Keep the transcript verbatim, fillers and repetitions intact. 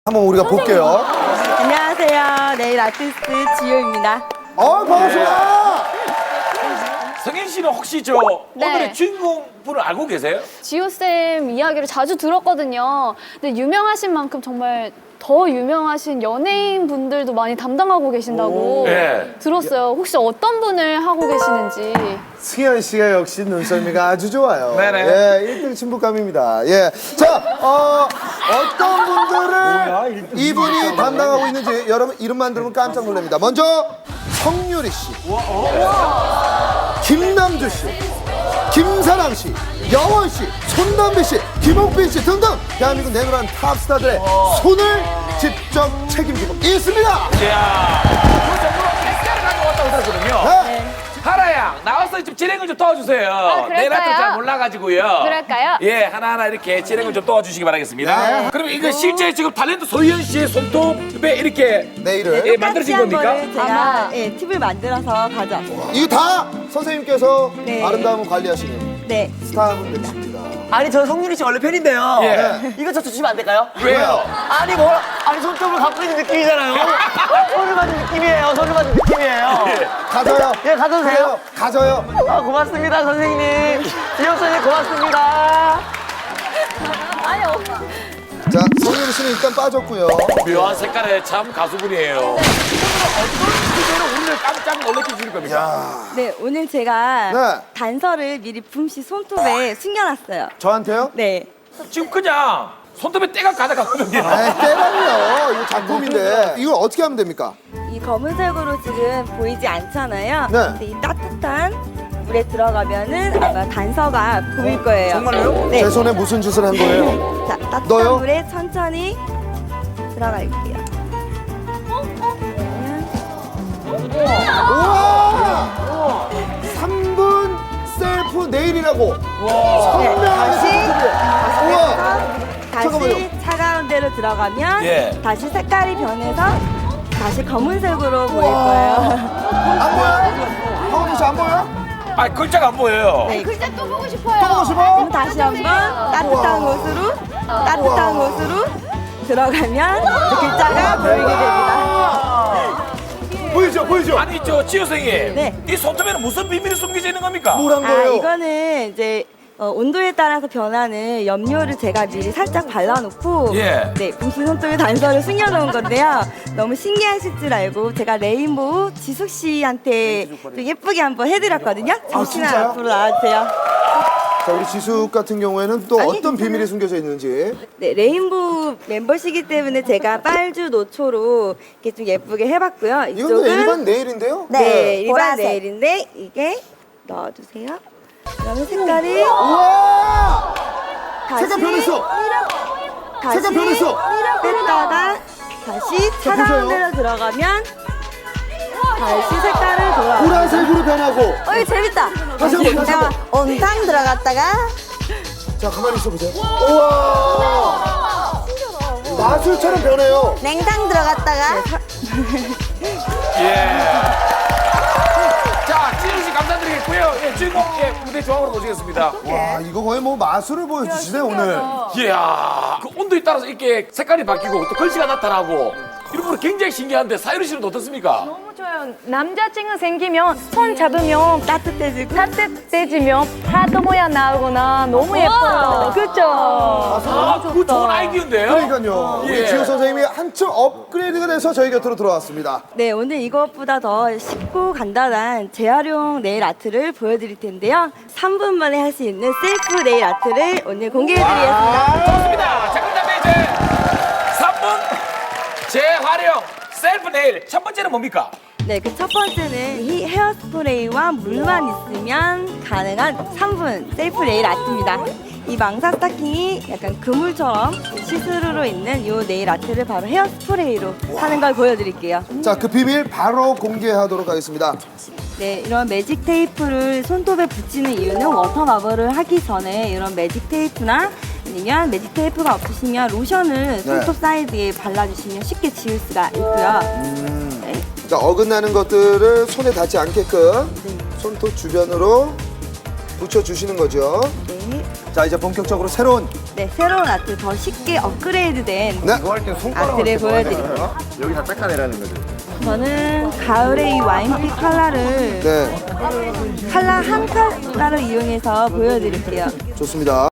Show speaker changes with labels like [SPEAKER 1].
[SPEAKER 1] 한번 우리가 볼게요.
[SPEAKER 2] 안녕하세요. 네일 아티스트 지효입니다.
[SPEAKER 1] 어, 반갑습니다.
[SPEAKER 3] 성현 씨는 혹시 저
[SPEAKER 4] 네.
[SPEAKER 3] 오늘의 주인공 분을 알고 계세요?
[SPEAKER 4] 지효쌤 이야기를 자주 들었거든요. 근데 유명하신 만큼 정말 더 유명하신 연예인 분들도 많이 담당하고 계신다고
[SPEAKER 3] 네.
[SPEAKER 4] 들었어요. 혹시 어떤 분을 하고 계시는지.
[SPEAKER 1] 승현 씨가 역시 눈썰미가 아주 좋아요.
[SPEAKER 3] 네네.
[SPEAKER 1] 예, 일 등 친북감입니다. 예. 자, 어, 어떤 분들을 이분이 담당하고 있는지 여러분 이름만 들으면 깜짝 놀랍니다. 먼저 성유리 씨, 김남주 씨, 김사랑 씨, 여원 씨, 손담비 씨, 김옥빈 씨 등등 대한민국 내노란 탑스타들의 손을 직접 책임지고 있습니다.
[SPEAKER 3] 이야, 그 정도로 엑스를 가져왔다고 들었거든요.
[SPEAKER 1] 네.
[SPEAKER 3] 하라 양, 나와서 좀 진행을 좀 도와주세요.
[SPEAKER 4] 그럴까요?
[SPEAKER 3] 내 나도 잘 몰라가지고요.
[SPEAKER 4] 그럴까요?
[SPEAKER 3] 예, 하나하나 이렇게 진행을 좀 도와주시기 바라겠습니다. 그럼 이거 실제 지금 탤런트 소희연 씨의 손톱에 이렇게
[SPEAKER 1] 네일을
[SPEAKER 3] 예, 만들어진 겁니까?
[SPEAKER 2] 거를 제가 예, 팁을 만들어서 가져왔어요.
[SPEAKER 1] 이게 다 선생님께서
[SPEAKER 2] 네.
[SPEAKER 1] 아름다움을 관리하시는
[SPEAKER 2] 네.
[SPEAKER 1] 스타분들입니다.
[SPEAKER 5] 아니 저 성윤이 씨 원래 팬인데요.
[SPEAKER 3] 예.
[SPEAKER 5] 이거 저 주시면 안 될까요?
[SPEAKER 3] 왜요?
[SPEAKER 5] 아니 뭐 아니 손톱을 갖고 있는 느낌이잖아요. 손을 받은 느낌이에요. 손을 받은 느낌이에요.
[SPEAKER 1] 가져요.
[SPEAKER 5] 예, 가져도 돼요?
[SPEAKER 1] 가져요.
[SPEAKER 5] 아, 고맙습니다 선생님. 지영 선생님 고맙습니다.
[SPEAKER 1] 자, 성유리 씨는 일단 빠졌고요.
[SPEAKER 3] 묘한 색깔의 참 가수분이에요. 어떤 주제로 우리를 깜짝 놀래켜 주실 겁니까?
[SPEAKER 2] 네, 오늘 제가
[SPEAKER 1] 네.
[SPEAKER 2] 단서를 미리 붐씨 손톱에 숨겨놨어요.
[SPEAKER 1] 저한테요?
[SPEAKER 2] 네.
[SPEAKER 3] 지금 그냥 손톱에 때가 가득하거든요.
[SPEAKER 1] 에이, 때라니요. 이거 작품인데. 이걸 어떻게 하면 됩니까?
[SPEAKER 2] 이 검은색으로 지금 보이지 않잖아요.
[SPEAKER 1] 네.
[SPEAKER 2] 근데 이 따뜻한 물에 들어가면은 아마 단서가 보일 거예요.
[SPEAKER 3] 정말로요?
[SPEAKER 2] 네.
[SPEAKER 1] 제 손에 무슨 짓을 한 거예요?
[SPEAKER 2] 자, 따뜻한
[SPEAKER 1] 넣어요?
[SPEAKER 2] 물에 천천히 들어갈게요.
[SPEAKER 1] 우와! 삼 분 셀프 네일이라고. 선명하게
[SPEAKER 2] 다시
[SPEAKER 1] 생겼어요. 우와!
[SPEAKER 2] 다시
[SPEAKER 1] 잠깐만요.
[SPEAKER 2] 차가운 데로 들어가면
[SPEAKER 3] 예.
[SPEAKER 2] 다시 색깔이 변해서 다시 검은색으로 보일 거예요.
[SPEAKER 1] 안 보여? 황원준 씨안 보여?
[SPEAKER 3] 아, 글자가 안 보여요.
[SPEAKER 2] 네.
[SPEAKER 4] 글자 또 보고 싶어요.
[SPEAKER 1] 또 보고 싶어?
[SPEAKER 2] 그럼 다시 한번 따뜻한 곳으로 따뜻한 곳으로 들어가면 글자가 보이게 됩니다.
[SPEAKER 1] 보이죠? 보이죠?
[SPEAKER 3] 아니, 저 지효 선생님.
[SPEAKER 2] 네.
[SPEAKER 3] 이 손톱에는 무슨 비밀이 숨겨져 있는 겁니까?
[SPEAKER 1] 뭐란
[SPEAKER 2] 아,
[SPEAKER 1] 거예요?
[SPEAKER 2] 이거는 이제 어, 온도에 따라서 변하는 염료를 제가 미리 살짝 발라놓고
[SPEAKER 3] 예.
[SPEAKER 2] 네, 붐씨 손톱에 단서를 숨겨놓은 건데요. 너무 신기하실 줄 알고 제가 레인보우 지숙 씨한테 좀 예쁘게 한번 해드렸거든요. 잠시만
[SPEAKER 1] 진짜요?
[SPEAKER 2] 앞으로 나와주세요.
[SPEAKER 1] 자, 우리 지숙 같은 경우에는 또
[SPEAKER 2] 아니,
[SPEAKER 1] 어떤
[SPEAKER 2] 괜찮아요.
[SPEAKER 1] 비밀이 숨겨져 있는지.
[SPEAKER 2] 네, 레인보우 멤버시기 때문에 제가 빨주 노초로 이렇게 좀 예쁘게 해봤고요.
[SPEAKER 1] 이건 그냥 일반 네일인데요?
[SPEAKER 2] 네, 일반
[SPEAKER 6] 보라색.
[SPEAKER 2] 네일인데 이게 넣어주세요. 그러면 색깔이
[SPEAKER 1] 우와!
[SPEAKER 2] 다시
[SPEAKER 1] 색깔 변했어!
[SPEAKER 2] 다시
[SPEAKER 1] 색깔 변했어!
[SPEAKER 2] 뺐다가 다시
[SPEAKER 1] 자,
[SPEAKER 2] 차가운
[SPEAKER 1] 보세요.
[SPEAKER 2] 데로 들어가면 다시 색깔을 돌아.
[SPEAKER 1] 보라색으로 변하고.
[SPEAKER 6] 어, 이거 재밌다.
[SPEAKER 1] 다시 한 번, 다시 한 번.
[SPEAKER 6] 온탕 들어갔다가
[SPEAKER 1] 자, 가만히 있어 보세요. 우와! 마술처럼 변해요.
[SPEAKER 6] 냉탕 들어갔다가
[SPEAKER 3] 예. 자, 지효 씨 감사드리겠고요. 예, 주인공 예, 무대 조항으로 모시겠습니다.
[SPEAKER 1] 와, 이거 거의 뭐 마술을 보여주시네, 오늘.
[SPEAKER 3] 이야, 그 온도에 따라서 이렇게 색깔이 바뀌고 또 글씨가 나타나고 이런 거는 굉장히 신기한데 사유리 씨는 어떻습니까?
[SPEAKER 7] 너무 좋아요. 남자친구 생기면 손 잡으면
[SPEAKER 2] 따뜻해지고
[SPEAKER 7] 따뜻해지면 하트 모양 나오거나 너무 예뻐요. 그렇죠?
[SPEAKER 3] 아, 그거 좋은 아이디어인데요?
[SPEAKER 1] 그러니까요. 우리
[SPEAKER 3] 예.
[SPEAKER 1] 지효 선생님이 한층 업그레이드가 돼서 저희 곁으로 들어왔습니다.
[SPEAKER 2] 네, 오늘 이것보다 더 쉽고 간단한 재활용 네일 아트를 보여드릴 텐데요. 삼 분 만에 할 수 있는 셀프 네일 아트를 오늘 공개해드리겠습니다.
[SPEAKER 3] 좋습니다. 자, 그다음에 이제 삼 분 재활용 셀프 네일 첫 번째는 뭡니까?
[SPEAKER 2] 네, 그 첫 번째는 이 헤어스프레이와 물만 있으면 가능한 삼 분 셀프 네일 아트입니다. 이 망사 스타킹이 약간 그물처럼 시스루로 있는 이 네일 아트를 바로 헤어스프레이로 하는 걸 보여드릴게요.
[SPEAKER 1] 자, 그 비밀 바로 공개하도록 하겠습니다.
[SPEAKER 2] 네, 이런 매직 테이프를 손톱에 붙이는 이유는 워터 마블을 하기 전에 이런 매직 테이프나 아니면 매직 테이프가 없으시면 로션을 손톱 사이드에 발라주시면 쉽게 지울 수가 있고요. 네.
[SPEAKER 1] 자, 어긋나는 것들을 손에 닿지 않게끔
[SPEAKER 2] 네.
[SPEAKER 1] 손톱 주변으로 붙여주시는 거죠.
[SPEAKER 2] 네.
[SPEAKER 1] 자, 이제 본격적으로 새로운
[SPEAKER 2] 네, 새로운 아트 더 쉽게 업그레이드된
[SPEAKER 1] 네.
[SPEAKER 2] 아트를 보여드릴게요.
[SPEAKER 5] 여기 다 닦아내라는 거죠.
[SPEAKER 2] 저는 가을의 이 와인빛 컬러를
[SPEAKER 1] 네,
[SPEAKER 2] 컬러 한 컬러를 이용해서 보여드릴게요.
[SPEAKER 1] 좋습니다.